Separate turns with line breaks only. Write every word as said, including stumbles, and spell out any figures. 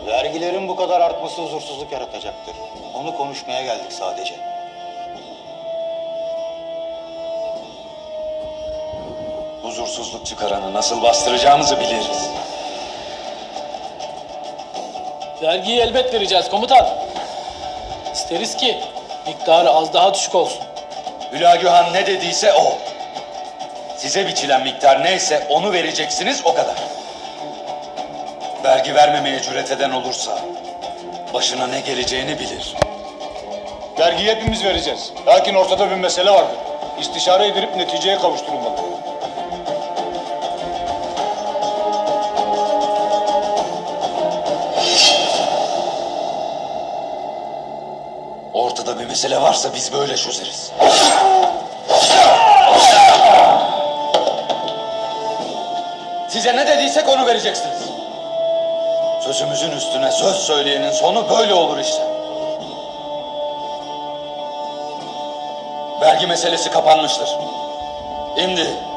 Vergilerin bu kadar artması huzursuzluk yaratacaktır. Onu konuşmaya geldik sadece.
Huzursuzluk çıkaranı nasıl bastıracağımızı biliriz.
Vergiyi elbet vereceğiz komutan. İsteriz ki miktarı az daha düşük olsun.
Hülagühan ne dediyse o. Size biçilen miktar neyse onu vereceksiniz, o kadar. Vergi vermemeye cüret eden olursa başına ne geleceğini bilir.
Vergiyi hepimiz vereceğiz. Lakin ortada bir mesele vardır. İstişare edilip neticeye kavuşturulmalı.
Ortada bir mesele varsa biz böyle çözeriz. Size ne dediysek onu vereceksiniz. Sözümüzün üstüne söz söyleyenin sonu böyle olur işte. Vergi meselesi kapanmıştır. Şimdi